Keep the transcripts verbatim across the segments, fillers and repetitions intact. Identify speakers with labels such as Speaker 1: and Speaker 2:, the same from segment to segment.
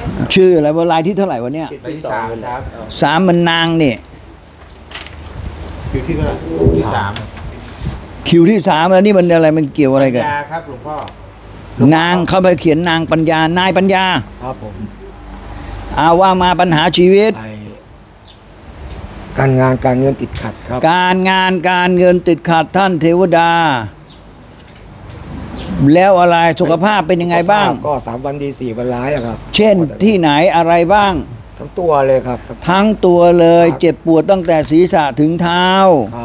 Speaker 1: ชื่ออะไรว่าลายที่เท่าไหร่วะเนี่ย
Speaker 2: ใบที่สามครับ
Speaker 1: สามมันนางเนี่ย
Speaker 2: คิวที่เท่าไหร่ที่สาม
Speaker 1: คิวที่สามแล้วนี่มันอะไรมันเกี่ยวอะไรกัน
Speaker 2: ปัญญาครับหลวงพ่อ
Speaker 1: นางเข้าไปเขียนนางปัญญานายปัญญา
Speaker 3: ครับผม
Speaker 1: อาว่ามาปัญหาชีวิต
Speaker 3: ไปการงานการเงินติดขัดครับ
Speaker 1: การงานการเงินติดขัดท่านเทวดา แล้วอะไรสุขภาพเป็นยังไงบ้าง
Speaker 3: ก็สามวันดีสี่วันร้ายอะครับ
Speaker 1: เช่นที่ไหนอะไรบ้าง
Speaker 3: ทั้งตัวเลยครับ
Speaker 1: ทั้งตัวเลยเจ็บปวดตั้งแต่ศีรษะถึงเท้า
Speaker 3: ครับ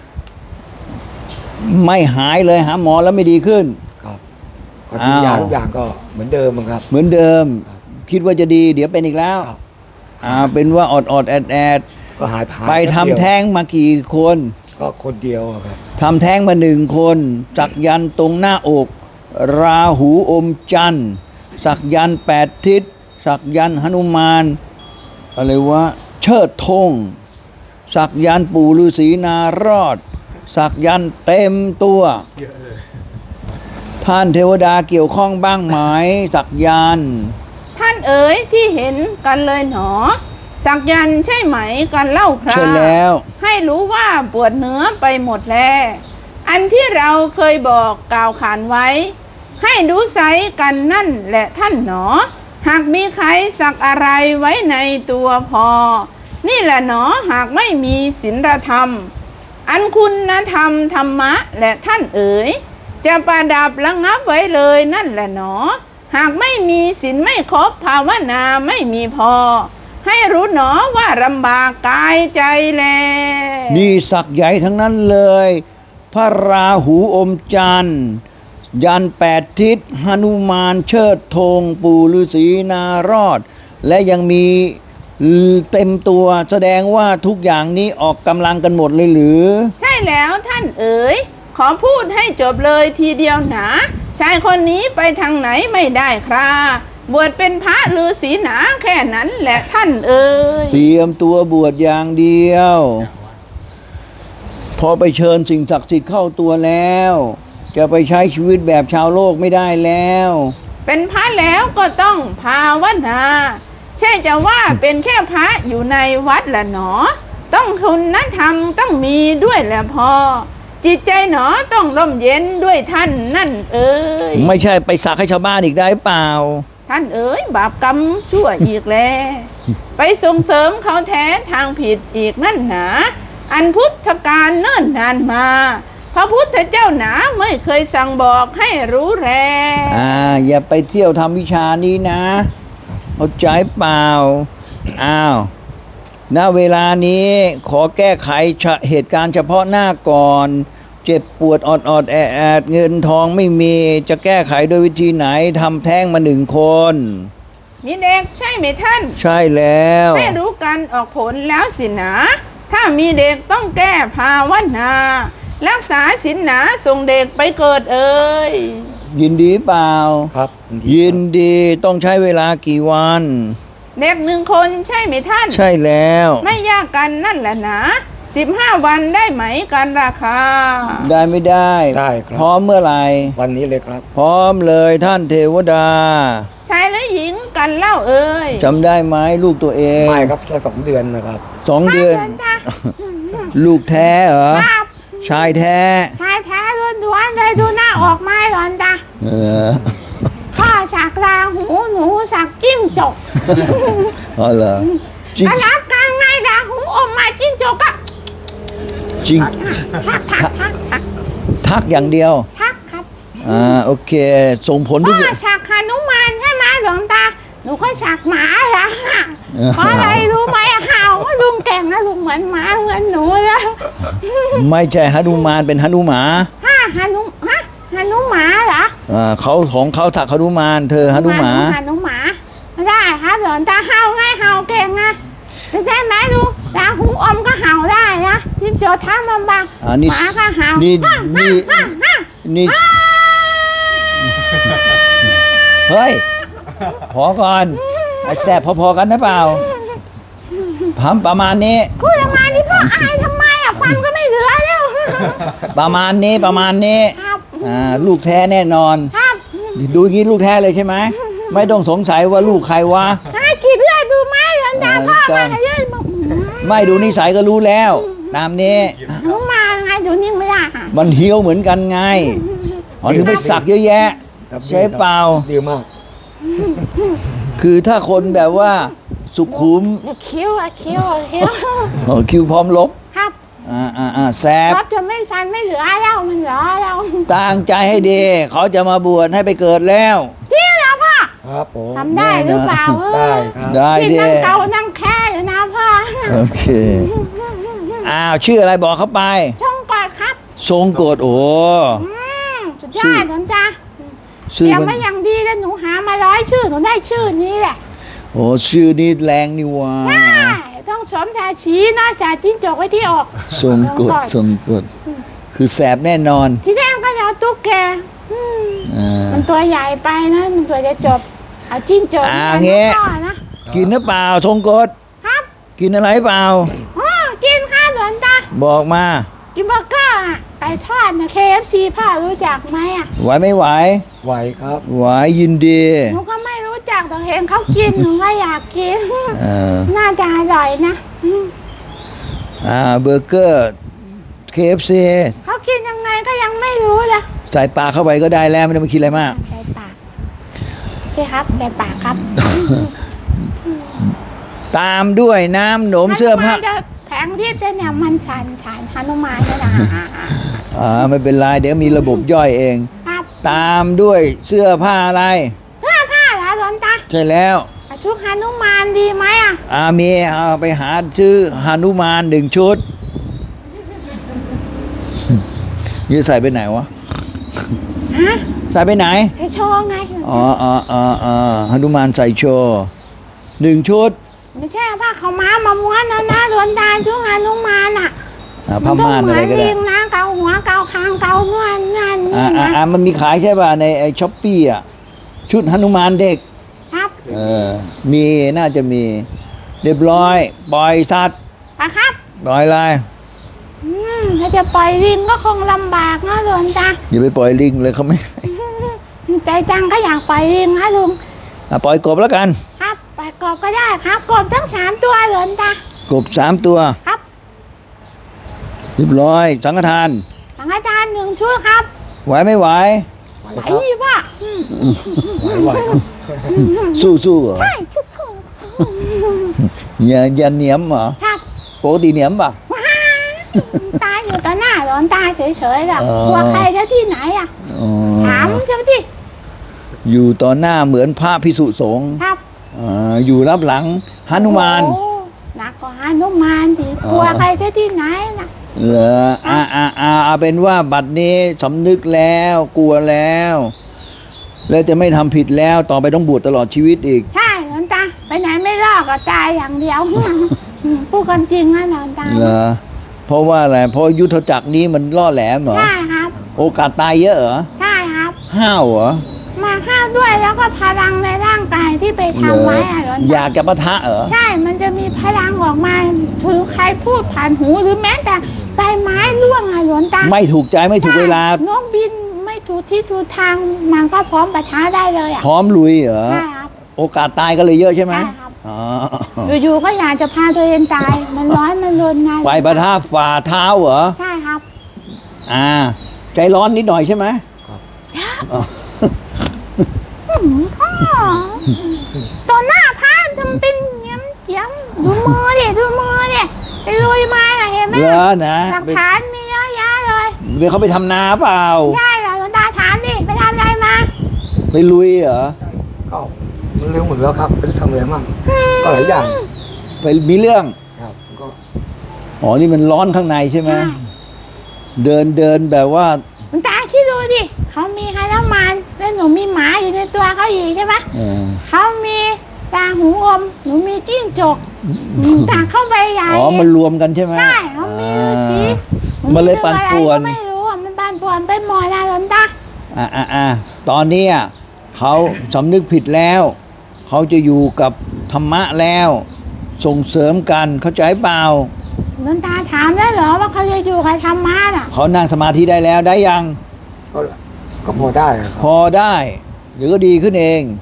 Speaker 1: ไม่หายเลยหาหมอแล้วไม่ดีขึ้น
Speaker 3: ครับก็ทุกอย่าง
Speaker 1: อ้าว
Speaker 3: ทุกอย่างก็เหมือนเดิมอะครับ
Speaker 1: เหมือนเดิม
Speaker 3: ครับ
Speaker 1: คิดว่าจะดี เดี๋ยวเป็นอีกแล้ว
Speaker 3: ครับ
Speaker 1: อ่าเป็นว่าอดอดแอดแอด
Speaker 3: ก็หายผ่าน
Speaker 1: ไปทำแท้งมากี่คน
Speaker 3: ก็คนเดียวอะครับ
Speaker 1: ทำแท้งมาหนึ่งคนสักยันต์ตรงหน้าอก ราหูอมจันทร์สักยันต์แปดทิศสักยันต์หนุมานอะไรวะเชิดธงสักยันต์ปู่ฤาษีนารอด สักยันต์เต็มตัว
Speaker 2: เยอะเลย
Speaker 1: ท่านเทวดาเกี่ยวข้องบ้างไหมสักยันต์
Speaker 4: ท่านเอ๋ยที่เห็นกันเลยหนอ สักยันต์ใช่ไหมกันเล่าครา
Speaker 1: ใช่แล้ว
Speaker 4: ให้รู้ว่าปวดเนื้อไปหมดแลอันที่เราเคยบอกกล่าวขานไว้ ให้ดูไซกันนั่นแหละท่านหนอ หากมีใครสักอะไรไว้ในตัวพอ นี่แหละหนอหากไม่มีศีลธรรม อันคุณธรรมธรรมะและท่านเอ๋ยจะประดับระงับไว้เลยนั่นแหละหนอ หากไม่มีศีลไม่ครบภาวนาไม่มีพอ ให้รู้หนอว่าลำบากกายใจแล
Speaker 1: นี่สักใหญ่ทั้งนั้นเลย พระราหูอมจันทร์ยันต์แปดทิศหนุมานเชิดธงปู่ฤาษีนารอด และยังมีเต็มตัวแสดงว่าทุกอย่างนี้ออกกำลังกันหมดเลยหรือ
Speaker 4: ใช่แล้วท่านเอ๋ยขอพูดให้จบเลยทีเดียวหนาชายคนนี้ไปทางไหนไม่ได้คราบวชเป็นพระฤาษีหนาแค่นั้นแหละท่านเอ๋ย
Speaker 1: เตรียมตัวบวชอย่างเดียว พอไปเชิญสิ่งศักดิ์สิทธิ์เข้าตัวแล้ว จะไปใช้ชีวิตแบบชาวโลกไม่ได้แล้ว
Speaker 4: เป็นพระแล้วก็ต้องภาวนาใช่จะว่าเป็นแค่พระอยู่ในวัดละหนอ ต้องคุณธรรมต้องมีด้วยแหละพอ จิตใจหนอต้องร่มเย็นด้วยท่านนั่นเอ๋ย
Speaker 1: ไม่ใช่ไปสักให้ชาวบ้านอีกได้เปล่า
Speaker 4: ท่านเอ๋ยบาปกรรมชั่วอีกแล้ว ไปส่งเสริมเขาแท้ทางผิดอีกนั่นหนาอันพุทธกาลเนิ่นนานมา พระพุทธเจ้าหนาไม่เคยสั่งบอกให้รู้แล
Speaker 1: อ่าอย่าไปเที่ยวทำวิชานี้นะเข้าใจเปล่าอ้าวณเวลานี้ขอแก้ไขเหตุการณ์เฉพาะหน้าก่อน เจ็บปวดออดออดแอดแอดเงินทองไม่มีจะแก้ไขโดยวิธีไหนทำแท้งมาหนึ่งคน
Speaker 4: มีเด็กใช่ไหมท่าน
Speaker 1: ใช่แล้ว
Speaker 4: ไม่รู้กันออกผลแล้วสินะถ้ามีเด็กต้องแก้ภาวนารักษาศีลหนาส่งเด็กไปเกิดเอ่ย
Speaker 1: ยินดีเปล่า
Speaker 3: ครับ
Speaker 1: ยินดีต้องใช้เวลากี่วัน
Speaker 4: เด็กหนึ่งคนใช่ไหมท่าน
Speaker 1: ใช่แล้ว
Speaker 4: ไม่ยากกันนั่นแหละนะสิบห้าวันได้ไหมกันราคา
Speaker 1: ได้ไม่ได้
Speaker 3: ได้ครับ
Speaker 1: พร้อมเมื่อไหร่
Speaker 3: วันนี้เลยครับ
Speaker 1: พร้อมเลยท่านเทวดา
Speaker 4: ชายและหญิงกันเล่าเอ่ย
Speaker 1: จำได้ไหมลูกตัวเอง
Speaker 3: ไม่ครับแค่สองเดือนนะครับ
Speaker 1: สองเดือน
Speaker 4: ครับจ้ะ
Speaker 1: ลูกแท้เหรอ
Speaker 4: ครับ
Speaker 1: ชายแท้
Speaker 4: ชายแท้ล้วนๆเลยดูหน้าออกไม้หลอนตา
Speaker 1: เออ
Speaker 4: พ่อสักราหูหนูสักจิ้งจก
Speaker 1: อ๋อเหรอจริง
Speaker 4: ถ้ารับกลางในราหูอมมาจิ้งจกก็
Speaker 1: จริง
Speaker 4: ทักทักทักทัก
Speaker 1: ทักอย่างเดียว
Speaker 4: ทักครับ
Speaker 1: อ่าโอเค ส่งผลทุ
Speaker 4: พ่
Speaker 1: กอ
Speaker 4: อย่าง สักหนุมานใช่ไหมหลวงตาหนูก็สักหมาละ
Speaker 1: เออ
Speaker 4: เพราะอะไรรู้ไหมเห่าว่าลุงแก่งนะลุงเหมือนหมาเหมือนหนูนะ
Speaker 1: ไม่ใช่หนุมานเป็นหนุหมา
Speaker 4: ฮะหนุฮะหนุหมาเหรอ
Speaker 1: อ่าเขาของเขาถักหนุมาน เธอหนุหมา
Speaker 4: หนุหมาได้ครับหลวงตาเห่าไงเห่าเก่งนะได้ไหมลุงตาหูอมก็เห่าได้นะจิ้งจกท้ามันบัง
Speaker 1: อ่านี่
Speaker 4: หมาก็เห่า
Speaker 1: นี่
Speaker 4: ฮ่า
Speaker 1: นี่
Speaker 4: ฮ่าฮ่า
Speaker 1: นี่
Speaker 4: ฮ่า
Speaker 1: เฮ้ย พอก่อนไอ้แสบพอๆกันนะเปล่าทำประมาณนี้
Speaker 4: พูดออกมานี่พ่ออายทำไมอ่ะฟันก็ไม่เหลือแล้ว
Speaker 1: ประมาณนี้ประมาณนี้
Speaker 4: ครับ
Speaker 1: อ่าลูกแท้แน่นอน
Speaker 4: ครับ
Speaker 1: ดูอย่างนี้ลูกแท้เลยใช่ไหม
Speaker 4: อืม
Speaker 1: ไม่ต้องสงสัยว่าลูกใครวะ
Speaker 4: ให้ขีดเลือดดูไหมหลวงตา
Speaker 1: เออ
Speaker 4: พ่อ
Speaker 1: ต้
Speaker 4: มา
Speaker 1: อง
Speaker 4: ให้เลือดบอก
Speaker 1: ไม่ดูนิสัยก็รู้แล้ว ตามนี้
Speaker 4: หนูมาไงดูนิ่งไม่ได้ค่ะ
Speaker 1: มันเฮี้ยวเหมือนกันไงอ๋อถึงไปสักเยอะแยะ
Speaker 3: ครับ
Speaker 1: ใช่เปล่า
Speaker 3: ดีมาก
Speaker 1: คือถ้าคนแบบว่าสุขุม
Speaker 4: คิ้วอะคิ้วอะคิ้ว
Speaker 1: โอ้คิวพร้อมลบ
Speaker 4: ครับ
Speaker 1: อ่าอ่าอ่าแซบ
Speaker 4: ครับจะไม่ฟันไม่เหลือแล้วมันเหลือแล้ว
Speaker 1: ตั้งใจให้ดี เขาจะมาบวชให้ไปเกิดแล้ว
Speaker 4: จริงเหรอพ่อ
Speaker 3: ครับผม
Speaker 4: ทำได้หรือเปล่าเออ
Speaker 3: ได้ครับ
Speaker 1: ได้
Speaker 4: ที่
Speaker 1: ดิ
Speaker 4: นั่งเกานั่งแค่อยู่นะพ่อ
Speaker 1: โอเค อ้าวชื่ออะไรบอกเขาไป
Speaker 4: ช่องกอดครับ
Speaker 1: ทรงกฎโอ้
Speaker 4: อืมสุดยอดหลวงตา
Speaker 1: ชื่อ
Speaker 4: เตรียม
Speaker 1: มัน
Speaker 4: มาอย่างดีแล้วหนูหามาร้อยชื่อหนูได้ชื่อนี้แหละ
Speaker 1: โอ้ชื่อนี้แรงนี่หว่า
Speaker 4: ใช่ต้องสวมชาชีหน้าชาจิ้งจกไว้ที่อก
Speaker 1: ทรงกฎทรงกฎคือแสบแน่นอน
Speaker 4: ที่แรกก็จะเอาตุ๊กแกอืม
Speaker 1: อ่า
Speaker 4: มันตัวใหญ่ไปนะมันตัวจะจบเอาจิ้งจก
Speaker 1: อ่า
Speaker 4: มา
Speaker 1: เงี้ย
Speaker 4: พ่อนะ
Speaker 1: กินหรือเปล่าทรงกฎ
Speaker 4: ครับ
Speaker 1: กินอะไรเปล่า
Speaker 4: อ๋อกินข้าวหลวงตา
Speaker 1: บอกมา
Speaker 4: กินเบอร์เกอร์อะไก่ทอดนะ เค เอฟ ซี พ่อรู้จักไหมอ่ะ
Speaker 1: ไหวไม่ไหว
Speaker 3: ไหวครับ
Speaker 1: ไหวยินดี
Speaker 4: หนูก็ไม่รู้จักแต่เห็นเขากินหนูก็อยากกิน
Speaker 1: เออ
Speaker 4: น่าจะอร่อยนะอืม
Speaker 1: อ่าเบอร์เกอร์ เค เอฟ ซี
Speaker 4: เขากินยังไงก็ยังไม่รู้เลย
Speaker 1: ใส่ปากเข้าไปก็ได้แล้วไม่ต้องไปคิดอะไรมาก
Speaker 4: ใส่ปากใช่ครับใส่ปากครับ
Speaker 1: ตามด้วยน้ำหนมเสื้อผ้า
Speaker 4: ฮนุมนจะแผงที่เต้นเนี่ยมันชันชันฮนุมานเนี่ยนะ
Speaker 1: อ่าไม่เป็นไรเดี๋ยวมีระบบย่อยเอง
Speaker 4: ครับ
Speaker 1: ตามด้วยเสื้อผ้าอะไร
Speaker 4: เสื้อผ้าเหรอหลวงตา
Speaker 1: ใช่แล้ว
Speaker 4: ชุดฮนุมานดีไหมอ่ะ
Speaker 1: อามีเอาไปหาชื่อหานุมานหนึ่งชุดนี่ใส่ไปไหนวะ
Speaker 4: ฮะ
Speaker 1: ใส่ไปไหน
Speaker 4: ใส่โชว์ไง
Speaker 1: อ๋ออ๋ออ๋ออ๋อหนุมานใส่โชว์หนึ่งชุด
Speaker 4: ไม่ใช่ผ้าขาวม้ามาม้วนนะนะหลวงตาชุดฮนุมานอ่ะ
Speaker 1: อ่าผ้าม่านอะไรก็
Speaker 4: มัน
Speaker 1: ได้
Speaker 4: ต้องเหมือนลิงนะเกาหัวเกาคางเกาเงื่อนนั่น
Speaker 1: อ่า
Speaker 4: นี่
Speaker 1: อ่า
Speaker 4: นะ
Speaker 1: อ่ามันมีขายใช่ป่ะในไอช้อปปี้อ่ะชุดหนุมานเด็ก
Speaker 4: ครับ
Speaker 1: เออมีน่าจะมี เรียบร้อยปล่อยสัตว์
Speaker 4: อะครับ
Speaker 1: ปล่อยอะไร
Speaker 4: อืมถ้าจะปล่อยลิงก็คงลำบากนะหลวงตา
Speaker 1: อย่าไปปล่อยลิงเลยเขาไม่
Speaker 4: ใจจังก็อยากปล่อยลิงนะลุง
Speaker 1: อ่ะปล่อยกบแล้วกัน
Speaker 4: ครับปล่อยกบก็ได้ครับกบทั้งสามตัวหลวงตาก
Speaker 1: บสามตัว
Speaker 4: ครับ
Speaker 1: เรียบร้อยสังฆทาน
Speaker 4: สังฆทานหนึ่งชุดครับ
Speaker 1: ไหวไม่ไหว
Speaker 3: ไหว
Speaker 4: ไหว
Speaker 3: ครับ
Speaker 4: ดีป่ะอืม
Speaker 3: ไหวไหวครับ
Speaker 1: สู้สู้เหรอ
Speaker 4: ใช่ทุกคน
Speaker 1: อย่าอย่าเหนียมเหรอ
Speaker 4: ครับ
Speaker 1: ปกติเหนียมป่ะ
Speaker 4: ว้าตายอยู่ต่อหน้าหลวงตาเฉยๆล่ะ
Speaker 1: เออ
Speaker 4: กลัวใครจะที่ไหนอ่ะ
Speaker 1: อ๋อ
Speaker 4: ถามเจ้าที่
Speaker 1: อยู่ต่อหน้าเหมือนพระพิสุสงฆ์
Speaker 4: ครับ
Speaker 1: อ่าอยู่รับหลังหนุมาน
Speaker 4: โอ้หนักกว่าหนุมานดิ
Speaker 1: อ๋อ
Speaker 4: กลัวใครจะที่ไหนน่ะ
Speaker 1: เหรออ่าอ่าอ่าเอาเป็นว่าบัดนี้สำนึกแล้วกลัวแล้ว แล้วจะไม่ทำผิดแล้วต่อไปต้องบวชตลอดชีวิตอีก
Speaker 4: ใช่หลวงตาไปไหนไม่รอดก็ตายอย่างเดียว อืมพูดกันจริงนะหลวงตา
Speaker 1: เหรอเพราะว่าอะไรเพราะยุทธจักรนี้มันล่อแหลมเหรอ
Speaker 4: ใช่ครับ
Speaker 1: โอกาสตายเยอะเหรอ
Speaker 4: ใช่ครับ
Speaker 1: ห้าวเหรอ
Speaker 4: มาข้าวด้วยแล้วก็พลังในร่างกายที่ไป
Speaker 1: เหร
Speaker 4: ทำ
Speaker 1: อ
Speaker 4: ไว้อะหลวง
Speaker 1: อยา
Speaker 4: ตาก
Speaker 1: จะปะทะเหรอ
Speaker 4: ใช่ มันจะมีพลังออกมาถือใครพูดผ่านหูหรือแม้แต่ใบไม้ร่วงอะหลวงตา
Speaker 1: ไม่ถูกใจไม่ถูกเวลา
Speaker 4: ใช่นกบินไม่ถูกที่ถูกทางมันก็พร้อมปะทะได้เลยอ่ะ
Speaker 1: พร้อมลุยเหรอ
Speaker 4: ใช่ครับ
Speaker 1: โอกาสตายก็เลยเยอะใช่ไหม
Speaker 4: ใช่ครับ
Speaker 1: อ๋อ
Speaker 4: อยู่ๆก็อยากจะพาตัวเองตาย มันร้อนมันรนไง
Speaker 1: ไปปะทะฝ่าเท้าเหรอ
Speaker 4: ใช่ครับ
Speaker 1: อ่า ใจร้อนนิดหน่อยใช่ไหม
Speaker 3: ครับ
Speaker 1: อ๋อ
Speaker 4: อืมพ่อตัวหน้าพระทำเป็นเงี้ยมเจียมดูมือดิดูมือดิไปลุยมาน่ะเห็นไหม
Speaker 1: เหรอนะ
Speaker 4: หลักฐานมีเยอะแยะเลย
Speaker 1: เดี๋ยวเขาไปทำนาเปล่า
Speaker 4: ใช่เหรอหลวงตาถามดิไปทำอะไรมา
Speaker 1: ไปลุยเหรอ
Speaker 3: ก็มันเร็วหมดแล้วครับเป็นทำอะไรมั่งก็หลายอย่าง
Speaker 1: ไปมีเรื่อง
Speaker 3: ครับก็
Speaker 1: อ๋อ นี่มันร้อนข้างในใช่ไหม
Speaker 4: ใช่
Speaker 1: เดินเดินแบบว่า
Speaker 4: หลวงตาคิดดูดิเขามีฮานุมานแล้วหนูมีหมาอยู่ในตัวเขาอีกใช่ไหม
Speaker 1: เออ
Speaker 4: เขามีตาหูอมหนูมีจิ้งจกหนูตาเข้าไปใหญ่
Speaker 1: อ๋อ มันรวมกันใช่ไหม
Speaker 4: ใช่เขามีฤาษี
Speaker 1: อ่ามันเลยปั่นป่วน
Speaker 4: หไม่รู้อ่ะมันปั่นป่วนไปหมดนะหลวงตา
Speaker 1: อ่าอ่าอ่าตอนเนี้ยเขาสำนึกผิดแล้ว เขาจะอยู่กับธรรมะแล้ว ส่งเสริมกันเข้าใจเปล่า
Speaker 4: หลวงตาถามได้เหรอว่าเขาจะอยู่กับธรรมะน่ะ
Speaker 1: เขานั่งสมาธิได้แล้วได้ยัง
Speaker 3: ก็ก็พอได้ครับ
Speaker 1: พอได้ เดี๋ยวก็ดีขึ้นเอง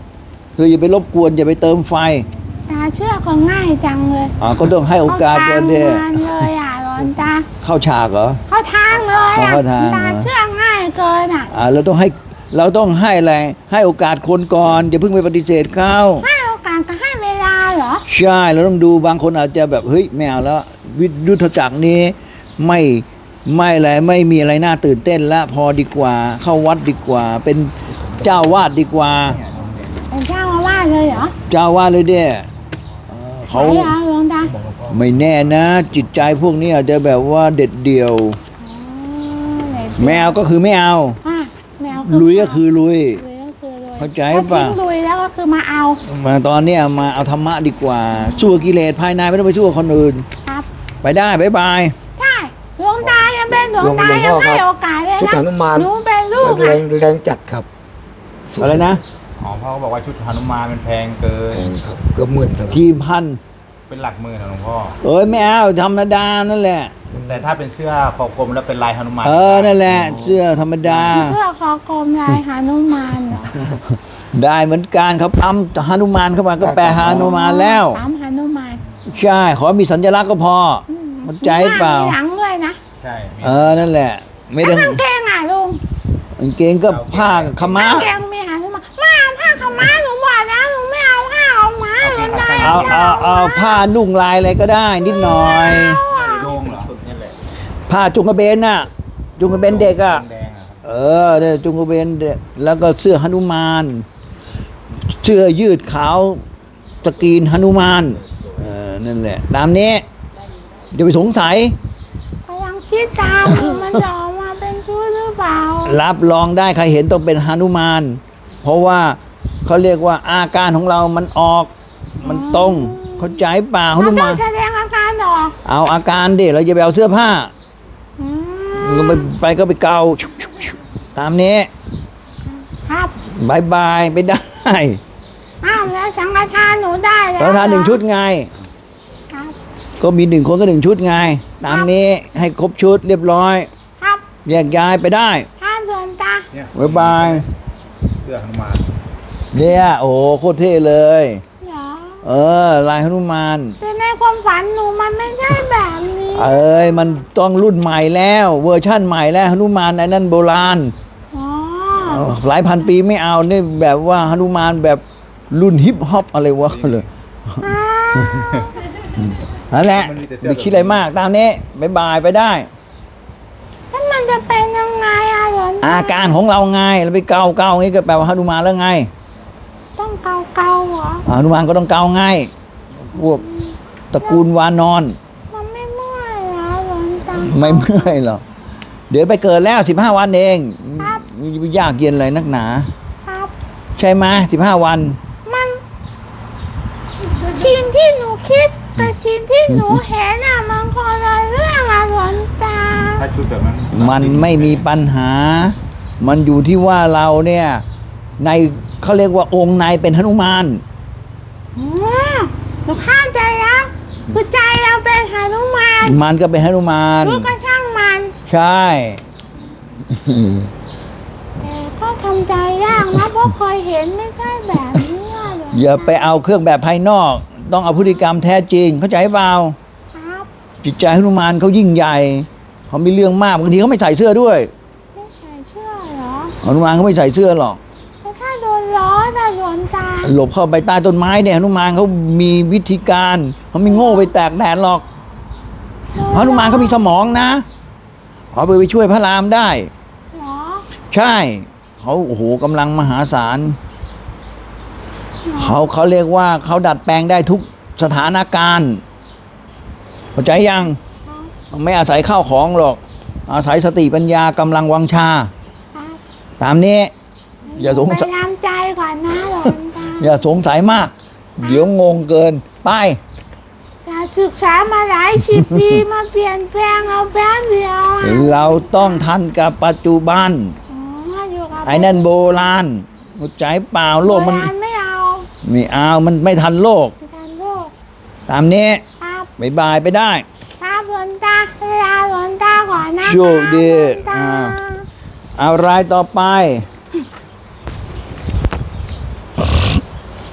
Speaker 1: เธออย่าไปรบกวนอย่าไปเติมไฟ
Speaker 4: ตาเชื่อก็ง่ายจังเลย
Speaker 1: อ่าก็ต้องให้โอกาสก่อนเด้
Speaker 4: เข้าทางเลยอ่ะหลวงตา
Speaker 1: เข้าฉากเหรอ
Speaker 4: เข้าทางเลยอ่ะ
Speaker 1: เข้าทางเหรอ
Speaker 4: ตาเชื่อง่ายเกินอ่ะ
Speaker 1: อ่าเราต้องให้เราต้องให้อะไรให้โอกาสคนก่อนอย่าเพิ่งไปปฏิเสธเขา
Speaker 4: ให้โอกาสก็ให้เวลาเหรอ
Speaker 1: ใช่เราต้องดูบางคนอาจจะแบบเฮ้ยไม่เอาแล้ววิยุทธจักรนี้ไม่ไม่อะไรไม่มีอะไรน่าตื่นเต้นละพอดีกว่า เข้าวัดดีกว่า เป็นเจ้าวาดดีกว่า
Speaker 4: เป็นเจ้าอาวาสเลยเหรอ
Speaker 1: เจ้าวาดเลยเด้เออเขา
Speaker 4: ใช่เหรอหลวงตา
Speaker 1: ไม่แน่นะ จิตใจพวกนี้อาจจะแบบว่าเด็ดเดี่ยว
Speaker 4: อ๋อไหน
Speaker 1: แมวก็คือไม่เอา
Speaker 4: อ่ะแมว
Speaker 1: ลุยก็คือลุย
Speaker 4: ลุยก็คือลุย
Speaker 1: เข้าใจ
Speaker 4: ถ้
Speaker 1: ป่ะ
Speaker 4: ทิ้งลุยแล้วก็คือมาเอา
Speaker 1: มาตอนเนี้ยมาเอาธรรมะดีกว่า สู้กับกิเลสภายในไม่ต้องไปสู้กับคนอื่น
Speaker 4: ครับ
Speaker 1: ไปได้บ๊ายบาย
Speaker 4: ได้หลวงตายังเป็นหลวงตายังให้โอกาสเลย
Speaker 3: ชุด
Speaker 4: นะ
Speaker 3: หนุมาน
Speaker 4: หนูเป็นลูก
Speaker 3: แร
Speaker 4: นะ
Speaker 3: งแรงจัดครับ
Speaker 1: อะไรนะ
Speaker 2: อ๋อพ่อก็บอกว่าชุดหนุมานมันแพงเกิน
Speaker 3: แรงครับเกือบหมื่นเลย
Speaker 1: กี่พัน
Speaker 2: เป็นหลักหมื่นนะหลวงพ่อ
Speaker 1: เอ้ยไม่เอาธรรมดานั่นแหละ
Speaker 2: แต่ถ้าเป็นเสื้อคอกลมแล้วเป็นลายหนุมาน
Speaker 1: เออนั่นแหละ เสื้อธรรมดา
Speaker 4: เพื่อคอกลมลายหานุมานเหรอ
Speaker 1: ได้เหมือนกันเขาปั๊มฮานุมานเข้ามาก็แปลฮานุมานแล้ว
Speaker 4: ตามหานุมาน
Speaker 1: ใช่ ขอมีสัญลักษณ์ก็พอเข้าใจเปล่า
Speaker 4: มีหลังด้วยนะ
Speaker 2: ใช่
Speaker 1: เออนั่นแหละ ไม่ได้
Speaker 4: แล้วกางเกงอ่ะลุง
Speaker 1: กางเกงก็ผ้าขาวม้าก
Speaker 4: างเกงมีหานุมานไม่เอาผ้าขาวม้าหนูบอกแล้วหนูไม่เอาผ้าขาวม้าหนูได้
Speaker 1: เอาเอาเอาผ้านุ่งลายอะไรก็ได้ นิดหน่อย
Speaker 2: โยงเหรอชุดนี่แหละ
Speaker 1: ผ้าจุงกระเบนน่ะ จุงกระเบนเด็กอ่ะ
Speaker 2: แดงๆอะครับ
Speaker 1: เออเนี่ยจุงกระเบนเด็กแล้วก็เสื้อหนุมาน เสื้อยืดขาวสกรีนหนุมาน เออนั่นแหละ ตามนี้อย่าไปสงสัย
Speaker 4: กำลังคิดตามอยู่มันจะออกมาเป็นชุดหรือเปล่า
Speaker 1: รับรองได้ใครเห็นต้องเป็นหนุมาน เพราะว่าเขาเรียกว่าอาการของเรามันออก มันตรง เข้าใจเปล่าห
Speaker 4: เรา
Speaker 1: นุ
Speaker 4: ต้
Speaker 1: มา
Speaker 4: อน งแสดงอาการออก
Speaker 1: เอาอาการดิเราจะไปเอาเสื้อผ้า
Speaker 4: อื
Speaker 1: ก็ไป
Speaker 4: ม
Speaker 1: ไปก็ไปเกาชุบชุบชุบตามนี้
Speaker 4: ครับ
Speaker 1: บายบายไปได้
Speaker 4: อ้าวแล้วสังฆทานหนูได้แล้ว
Speaker 1: แล้วทานหนึ่งชุดไง
Speaker 4: ครับ
Speaker 1: ก็มีหนึ่งคนก็หนึ่งชุดไง ตามนี้ให้ครบชุดเรียบร้อย
Speaker 4: ครับ
Speaker 1: แยกย้ายไปได้
Speaker 4: ท่านส่วนตา
Speaker 2: เนี่ย
Speaker 1: บ๊ายบาย
Speaker 2: เสื้อหนุมาน
Speaker 1: เนี่ยโอ้โหโคตรเท่เลย
Speaker 4: เหรอ
Speaker 1: เออ ลายหนุมาน
Speaker 4: แต่ในความฝันหนูมันไม่ใช่แบบนี้
Speaker 1: เอ้ยมันต้องรุ่นใหม่แล้ว เวอร์ชั่นใหม่แล้วหนุมานไอ้นั่นโบราณ
Speaker 4: อ๋อ
Speaker 1: เออหลายพันปีไม่เอานี่แบบว่าหนุมานแบบรุ่นฮิปฮอปอะไรวะเลย
Speaker 4: อ้าว
Speaker 1: นั่นแหละไม่คิดอะไรมากตามนี้บายบายไปได้
Speaker 4: แล้วมันจะเป็นยังไงอะหลวงตา
Speaker 1: อาการของเราไงเราไปเกาเกาอย่างนี้ก็แปลว่าหนุมานแล้วไง
Speaker 4: ต้องเกาเกาๆเหรอ
Speaker 1: หนุมานก็ต้องเกาไงพวกตระกูลวานอน
Speaker 4: มันไม่เมื่อยเหรอหลวงตา
Speaker 1: ไม่เมื่อยหรอกเดี๋ยวไปเกิดแล้วสิบห้าวันเอง
Speaker 4: ครับ
Speaker 1: ยากเย็นอะไรนักหนา
Speaker 4: ครับ
Speaker 1: ใช่ไหมสิบห้าวัน
Speaker 4: มันชิ้นที่หนูคิดกับชิ้นที่หนูเห็นอะมันคนละเรื่องอะหลวงตา
Speaker 2: ถ้าชุดแบบนั้น
Speaker 1: มันไม่มีปัญหา มันอยู่ที่ว่าเราเนี่ย ในเขาเรียกว่าองค์ในเป็นหนุมาน
Speaker 4: อ๋อหนูเข้าใจแล้วคือใจเราเป็นหานุมาน
Speaker 1: มันก็เป็นหนุมาน
Speaker 4: รู้ก็ช่างมัน
Speaker 1: ใช่
Speaker 4: แต่ก็ทำใจยากนะเพราะเคยเห็นไม่ใช่แบบนี้อะหลวงต
Speaker 1: อย่าไปเอาเครื่องแบบภายนอก ต้องเอาพฤติกรรมแท้จริง เข้าใจเปล่า
Speaker 4: ครับ
Speaker 1: จิตใจหนุมานเขายิ่งใหญ่เขามีเรื่องมากบางทีเขาไม่ใส่เสื้อด้วย
Speaker 4: ไม่ใส่เชื่อเหรอ
Speaker 1: หนุมานเขาไม่ใส่เสื้อหรอก
Speaker 4: แต่ถ้าโดนล้อนะหลวงตา
Speaker 1: หลบเข้าไปใต้ต้นไม้เนี่ยหนุมานเขามีวิธีการเขาไม่โง่ไปแตกแดดหรอกหนุมานเขามีสมองนะเอาไปไปช่วยพระรามได้
Speaker 4: เหรอ
Speaker 1: ใช่เขาโอ้โหกำลังมหาศาลเขาเขาเรียกว่าเขาดัดแปลงได้ทุกสถานการณ์เข้าใจยัง
Speaker 4: ครับ
Speaker 1: ไม่อาศัยข้าวของหรอก อาศัยสติปัญญากำลังวังชา
Speaker 4: ครับ
Speaker 1: ตามนี้ อย่าสงสัย
Speaker 4: ไปทำใจก่อนนะหลวงตา
Speaker 1: อย่าสงสัยมาก เดี๋ยวงงเกินไป
Speaker 4: จะศึกษามาหลายสิบปีมาเปลี่ยนแปลงเอาแป๊บเดียวอะ
Speaker 1: เราต้องทันกับปัจจุบัน
Speaker 4: อ๋ออยู่กับ
Speaker 1: ไอ้นั่นโบราณเข้าใจเปล่าโลกมัน
Speaker 4: โบราณไม่เอา
Speaker 1: ไม่เอามันไม่ทันโลก
Speaker 4: ไม่ทันโลก
Speaker 1: ตามนี้
Speaker 4: ครับ
Speaker 1: บายบายไปได้
Speaker 4: ครับหลวงตาเวลาหลวงตาก่อนนะ
Speaker 1: โชคดี
Speaker 4: หลวงตา
Speaker 1: อ่า เอารายต่อไป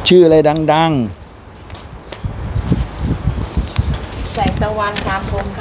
Speaker 1: ชื่ออะไรดัง
Speaker 5: แสงตะวันคามคม